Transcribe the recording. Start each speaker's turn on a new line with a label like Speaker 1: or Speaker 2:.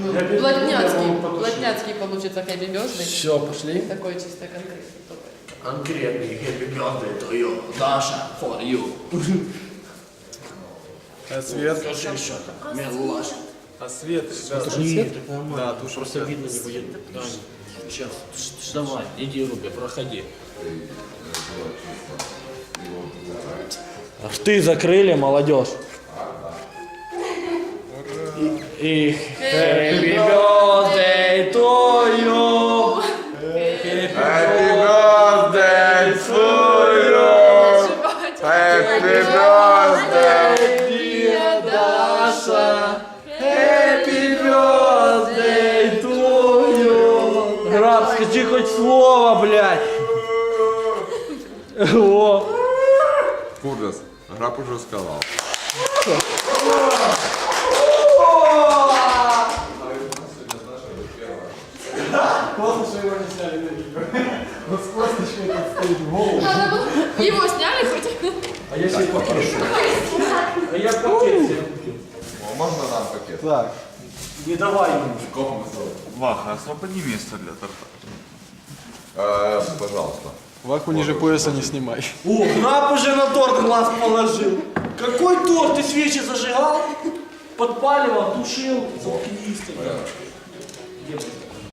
Speaker 1: Блатняцкий получится хэппи бёрздэй.
Speaker 2: Все, пошли.
Speaker 1: Такой чисто конкретный.
Speaker 3: Конкретный happy birthday to you, Даша, for you.
Speaker 2: А свет?
Speaker 3: Скажи что-то, милашка.
Speaker 2: А свет?
Speaker 3: Это же нет, это нормально.
Speaker 2: Да, тушь
Speaker 3: просто видно не будет. Сейчас, давай, иди, Руби, проходи.
Speaker 4: Рты закрыли, молодежь. И happy birthday to you.
Speaker 5: Happy birthday to you. Happy birthday,
Speaker 4: dear Даша. Happy birthday to you. Граб, скажи хоть слово, блядь. О.
Speaker 5: Ужас. Граб уже сказал.
Speaker 2: Классно, что его не сняли на видео. Вот с косточкой тут стоит в голову.
Speaker 1: Его сняли хоть?
Speaker 2: А я себе пакет. А я пакет себе.
Speaker 5: О, можно нам пакет?
Speaker 2: Так.
Speaker 4: Не давай ему.
Speaker 6: Ваха, освободи место для торта.
Speaker 5: Пожалуйста.
Speaker 2: Ваку ниже пояса не снимай.
Speaker 4: О, Граб уже на торт глаз положил. Какой торт? Ты свечи зажигал? Подпаливал, тушил. Заткнись ты.